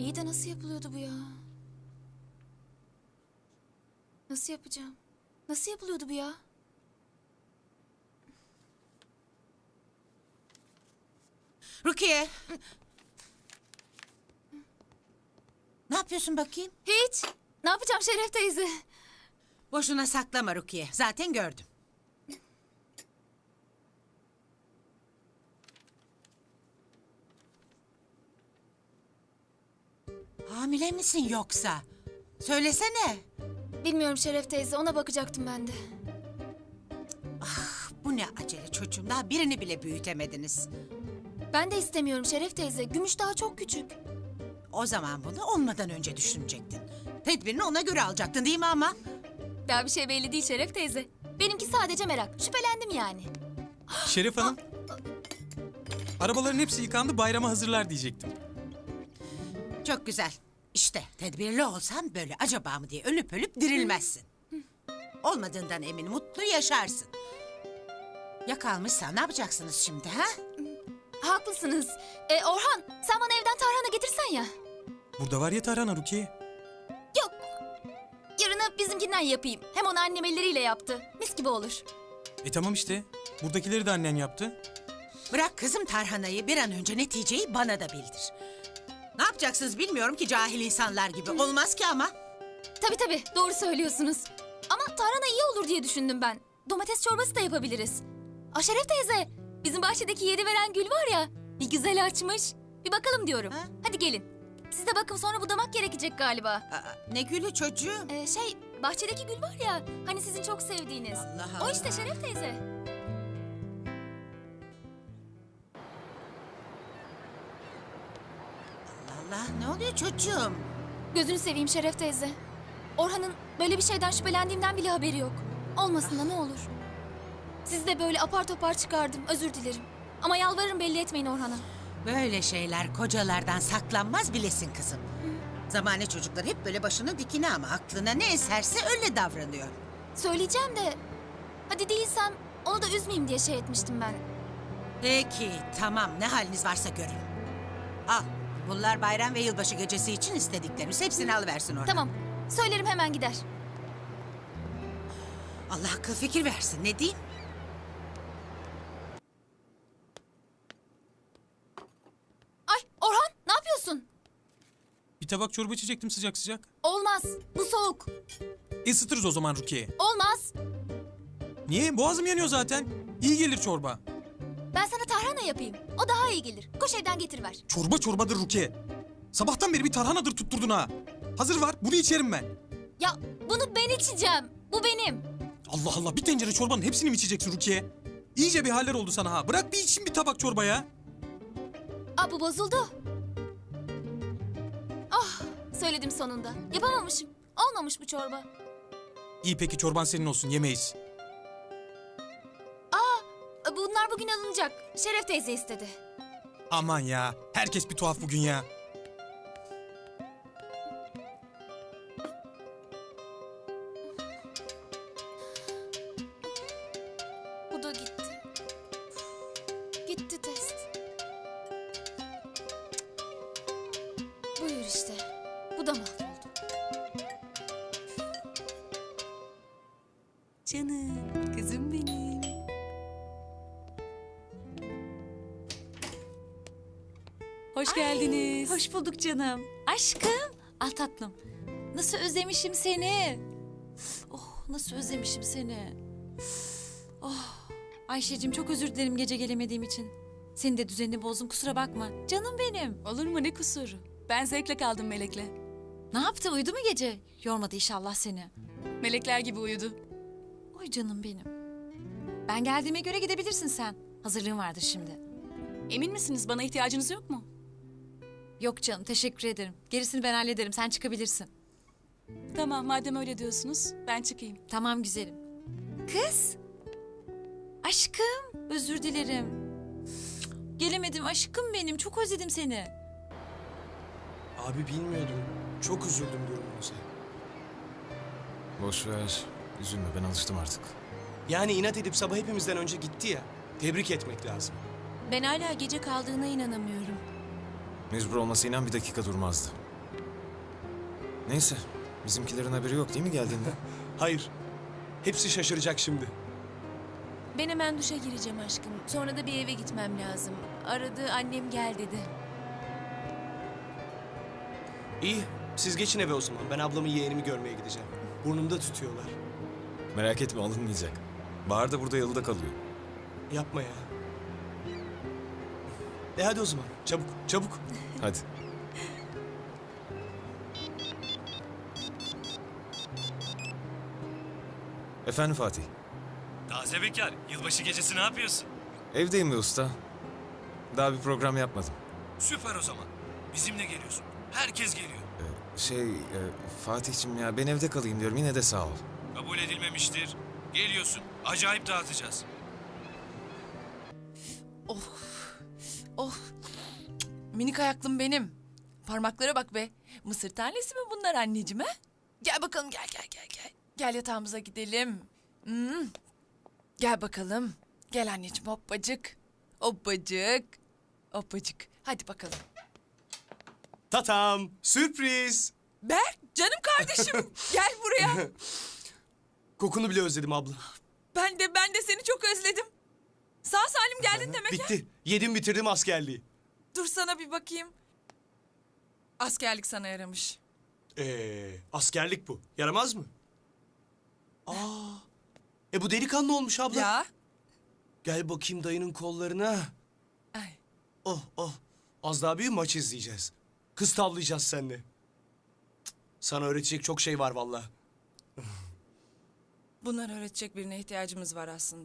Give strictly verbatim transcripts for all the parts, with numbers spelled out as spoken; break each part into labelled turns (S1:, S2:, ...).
S1: İyi de nasıl yapılıyordu bu ya? Nasıl yapacağım? Nasıl yapılıyordu bu ya?
S2: Rukiye. Ne yapıyorsun bakayım?
S1: Hiç. Ne yapacağım Şeref teyze?
S2: Boşuna saklama Rukiye. Zaten gördüm. Hamile misin yoksa? Söylesene.
S1: Bilmiyorum Şeref teyze, ona bakacaktım ben de.
S2: Bu ne acele çocuğum. Daha birini bile büyütemediniz.
S1: Ben de istemiyorum Şeref teyze. Gümüş daha çok küçük.
S2: O zaman bunu olmadan önce düşünecektin. Tedbirini ona göre alacaktın değil mi ama?
S1: Daha bir şey belli değil Şeref teyze. Benimki sadece merak. Şüphelendim yani.
S3: Şeref Hanım. Arabaların hepsi yıkandı, bayrama hazırlar diyecektim.
S2: Çok güzel. İşte tedbirli olsan böyle acaba mı diye ölüp ölüp dirilmezsin. Olmadığından emin mutlu yaşarsın. Ya kalmışsa ne yapacaksınız şimdi ha?
S1: Haklısınız. E, Orhan, sen bana evden tarhana getirsen ya.
S3: Burada var ya tarhana Rukiye.
S1: Yok. Yarına bizimkinden yapayım. Hem onu annem elleriyle yaptı. Mis gibi olur.
S3: E tamam işte. Buradakileri de annen yaptı.
S2: Bırak kızım tarhanayı, bir an önce neticeyi bana da bildir. Ne yapacaksınız bilmiyorum ki cahil insanlar gibi. Olmaz ki ama.
S1: Tabii tabii, doğru söylüyorsunuz. Ama tarhana iyi olur diye düşündüm ben. Domates çorbası da yapabiliriz. Aa Şeref teyze, bizim bahçedeki yedi veren gül var ya, bir güzel açmış. Bir bakalım diyorum.
S2: Ha?
S1: Hadi gelin. Siz de bakın, sonra budamak gerekecek galiba.
S2: Aa, ne gülü çocuğum.
S1: Ee, şey, bahçedeki gül var ya, hani sizin çok sevdiğiniz.
S2: Allah
S1: O
S2: Allah.
S1: işte Şeref teyze.
S2: Allah ne oluyor çocuğum?
S1: Gözünü seveyim Şeref teyze. Orhan'ın böyle bir şeyden şüphelendiğimden bile haberi yok. Olmasın da ne olur. Sizi de böyle apar topar çıkardım, özür dilerim. Ama yalvarırım, belli etmeyin Orhan'a.
S2: Böyle şeyler kocalardan saklanmaz bilesin kızım. Zamane çocuklar hep böyle başının dikine ama aklına ne eserse öyle davranıyor.
S1: Söyleyeceğim de, hadi değilsem onu da üzmeyeyim diye şey etmiştim ben.
S2: Peki tamam, ne haliniz varsa görün. Al, bunlar bayram ve yılbaşı gecesi için istediklerimiz. Hepsini alıversin oradan.
S1: Tamam, söylerim, hemen gider.
S2: Allah akıl fikir versin, ne diyeyim?
S1: Ay Orhan, ne yapıyorsun?
S3: Bir tabak çorba içecektim sıcak sıcak.
S1: Olmaz, bu soğuk.
S3: Isıtırız o zaman Rukiye.
S1: Olmaz.
S3: Niye? Boğazım yanıyor zaten. İyi gelir çorba.
S1: Ben sana tarhana yapayım. O daha iyi gelir. Koş evden getiriver.
S3: Çorba çorbadır Rukiye. Sabahtan beri bir tarhanadır tutturdun ha. Hazır var, bunu içerim ben.
S1: Ya bunu ben içeceğim. Bu benim.
S3: Allah Allah, bir tencere çorbanın hepsini mi içeceksin Rukiye? İyice bir haller oldu sana ha. Bırak bir içeyim bir tabak çorba ya.
S1: Aa, bu bozuldu. Ah, söyledim sonunda. Yapamamışım. Olmamış bu çorba.
S3: İyi peki, çorban senin olsun, yemeyiz.
S1: Aa, bunlar bugün alınacak. Şeref teyze istedi.
S3: Aman ya, herkes bir tuhaf bugün ya.
S1: Bu da gitti. Gitti test. Buyur işte. Bu da mahvoldu.
S4: Canım, kızım benim. Hoş geldiniz.
S5: Hoş bulduk canım. Aşkım. Al tatlım. Nasıl özlemişim seni. Oh, nasıl özlemişim seni. Oh. Ayşe'cim, çok özür dilerim gece gelemediğim için. Senin de düzenini bozdum, kusura bakma. Canım benim.
S4: Olur mu, ne kusuru? Ben zevkle kaldım Melek'le.
S5: Ne yaptı, uyudu mu gece? Yormadı inşallah seni.
S4: Melekler gibi uyudu.
S5: Oy canım benim. Ben geldiğime göre gidebilirsin sen. Hazırlığın vardır şimdi.
S4: Emin misiniz, bana ihtiyacınız yok mu?
S5: Yok canım, teşekkür ederim. Gerisini ben hallederim, sen çıkabilirsin.
S4: Tamam, madem öyle diyorsunuz, ben çıkayım.
S5: Tamam güzelim. Kız. Aşkım, özür dilerim. Gelemedim aşkım benim, çok özledim seni.
S6: Abi bilmiyordum. Çok üzüldüm durumunuza.
S7: Boş ver. Üzülme, ben alıştım artık.
S6: Yani inat edip sabah hepimizden önce gitti ya. Tebrik etmek lazım.
S8: Ben hala gece kaldığına inanamıyorum.
S7: Mecbur olmasa inan bir dakika durmazdı. Neyse. Bizimkilerin haberi yok değil mi geldiğinde?
S6: Hayır. Hepsi şaşıracak şimdi.
S8: Ben hemen duşa gireceğim aşkım. Sonra da bir eve gitmem lazım. Aradı, annem gel dedi.
S6: İyi. Siz geçin eve o zaman. Ben ablamı yeğenimi görmeye gideceğim. Burnumda tutuyorlar.
S7: Merak etme alınmayacak. Bahar da burada yalıda kalıyor.
S6: Yapma ya. E hadi o zaman. Çabuk, çabuk.
S7: Hadi. Efendim Fatih.
S9: Taze bekar, yılbaşı gecesi ne yapıyorsun?
S7: Evdeyim be usta. Daha bir program yapmadım.
S9: Süper o zaman. Bizimle geliyorsun. Herkes geliyor.
S7: Şey e, Fatih'cim ya ben evde kalayım diyorum yine de sağ ol.
S9: Kabul edilmemiştir. Geliyorsun. Acayip dağıtacağız.
S10: Oh. Oh. Minik ayaklım benim. Parmaklara bak be. Mısır tanesi mi bunlar anneciğim ha? Gel bakalım gel gel gel gel. Gel yatağımıza gidelim. Hmm. Gel bakalım. Gel anneciğim hoppacık. Hoppacık. Hoppacık. Hadi bakalım.
S6: Tatam. Sürpriz.
S10: Berk canım kardeşim. Gel buraya.
S6: Kokunu bile özledim abla.
S10: Ben de ben de seni çok özledim. Sağ salim geldin demek ha?
S6: Bitti. Yedim bitirdim askerliği.
S10: Dur sana bir bakayım. Askerlik sana yaramış.
S6: Ee, askerlik bu. Yaramaz mı? Aa. E bu delikanlı olmuş abla.
S10: Ya.
S6: Gel bakayım dayının kollarına.
S10: Ay.
S6: Oh oh. Az daha bir maç izleyeceğiz. Kız tavlayacağız seninle. Cık, sana öğretecek çok şey var vallahi.
S10: Bunları öğretecek birine ihtiyacımız var aslında.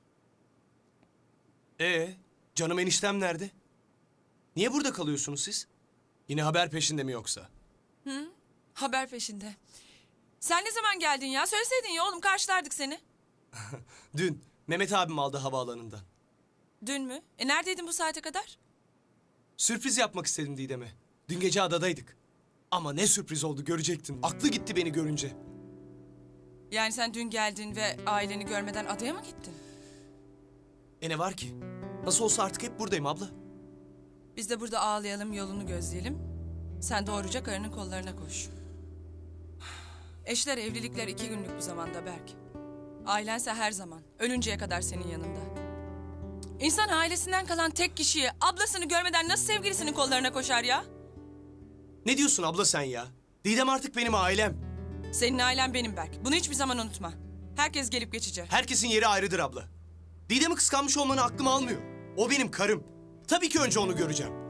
S6: Ee, canım eniştem nerede? Niye burada kalıyorsunuz siz? Yine haber peşinde mi yoksa?
S10: Haber peşinde. Sen ne zaman geldin ya? Söyleseydin ya oğlum karşılardık seni.
S6: Dün Mehmet abim aldı havaalanından.
S10: Dün mü? E neredeydin bu saate kadar?
S6: Sürpriz yapmak istedim Didem'e. Dün gece adadaydık. Ama ne sürpriz oldu görecektin. Aklı gitti beni görünce.
S10: Yani sen dün geldin ve aileni görmeden adaya mı gittin?
S6: E ne var ki? Nasıl olsa artık hep buradayım abla.
S10: Biz de burada ağlayalım, yolunu gözleyelim. Sen doğruca karının kollarına koş. Eşler, evlilikler iki günlük bir zamanda Berk. Ailense her zaman, ölünceye kadar senin yanında. İnsan ailesinden kalan tek kişiyi, ablasını görmeden nasıl sevgilisinin kollarına koşar ya?
S6: Ne diyorsun abla sen ya? Didem artık benim ailem.
S10: Senin ailen benim Berk. Bunu hiçbir zaman unutma. Herkes gelip geçecek.
S6: Herkesin yeri ayrıdır abla. Didem'i kıskanmış olmanı aklım almıyor. O benim karım. Tabii ki önce onu göreceğim.